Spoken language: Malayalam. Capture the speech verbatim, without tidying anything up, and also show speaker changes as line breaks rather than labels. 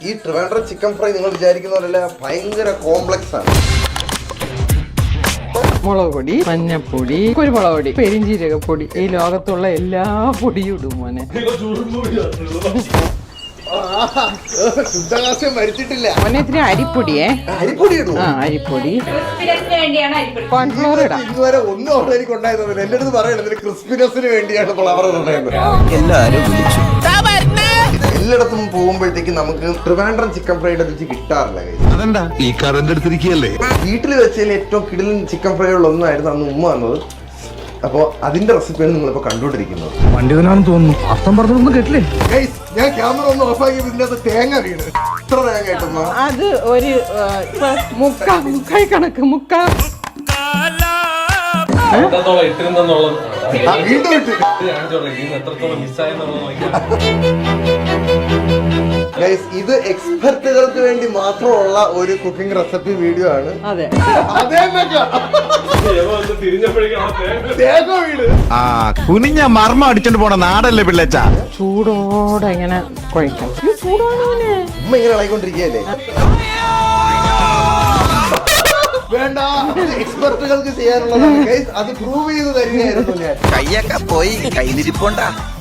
ഈ ട്രിവാൻഡ്രം ചിക്കൻ ഫ്രൈ നിങ്ങൾ വിചാരിക്കുന്ന പോലെയല്ല, ഭയങ്കര കോംപ്ലക്സ് ആണ്.
മുളക് പൊടി, മഞ്ഞപ്പൊടി, കുരുമുളക് പൊടി, പെരിഞ്ചീരകപ്പൊടി, ഈ ലോകത്തുള്ള എല്ലാ പൊടിയും ഇടും മോനെ.
ശുദ്ധകാസ്യം മരിച്ചിട്ടില്ല.
മോനെ ഇത്തിരി അരിപ്പൊടിയേ.
അരിപ്പൊടി ഇടും.
ആ അരിപ്പൊടി, കോൺഫ്ലോർ ഇടാം.
ഇതുവരെ ഒന്നും അവിടെ എനിക്ക് ഉണ്ടായിരുന്നു. എന്റെ അടുത്ത് പറയണത് ക്രിസ്പിനെസിന് വേണ്ടിയാണ് ഫ്ലവർ ഉണ്ടായിരുന്നത്.
എല്ലാരും വിളിച്ചു.
എല്ലായിടത്തും പോകുമ്പോഴത്തേക്ക് നമുക്ക് ട്രിവാൻഡ്രം ചിക്കൻ ഫ്രൈയുടെ രുചി കിട്ടാറില്ല.
അതെന്താ ഈ കറണ്ട് എടുത്തിരിക്കുകയല്ലേ?
വീട്ടിൽ വെച്ചതിൽ ഏറ്റവും കിടിലൻ ചിക്കൻ ഫ്രൈകളിൽ ഒന്നായിരുന്നു അന്ന് ഉമ്മ വന്നത്. അപ്പോൾ അതിന്റെ റെസിപ്പിയാണ് നിങ്ങളിപ്പോൾ കണ്ടുകൊണ്ടിരിക്കുന്നത്.
വണ്ടി തന്നെയാണെന്ന് തോന്നുന്നു. അർത്ഥം പറഞ്ഞൊന്നും കേട്ടില്ലേ?
Guys, ഞാൻ ക്യാമറ ഒന്ന് ഓഫാക്കി ഇതിന്റെ അകത്ത് തേങ്ങ വീണ്. ഇത്ര തേങ്ങ കിട്ടുന്ന
അത് ഒരു മുക്കാ മുക്കായി കണക്ക് മുക്കാ
വീണ്ടും ഇട്ട്. Guys, ഇത് എക്സ്പെർട്ടുകൾക്ക് വേണ്ടി മാത്രമുള്ള ഒരു കുക്കിംഗ് റെസിപ്പി വീഡിയോ ആണ്.
അതെ
അതേ തേങ്ങ വീട്.
ആ കുനിഞ്ഞ മർമ്മ അടിച്ചോണ്ട് പോണ നാടല്ലേ പിള്ളേച്ച.
ചൂടോടെ ഇങ്ങനെ കുഴക്കാം. ചൂടോടെ
ഉമ്മ ഇങ്ങനെ ഇളകിക്കൊണ്ടിരിക്കുകയല്ലേ. വേണ്ട, എക്സ്പെർട്ടുകൾക്ക് ചെയ്യാനുള്ളതാണ്. Guys, അത് പ്രൂവ് ചെയ്ത് തരികയായിരുന്നു ഞാൻ.
കയ്യൊക്കെ പോയി കയ്യിലിരിപ്പുണ്ടാ.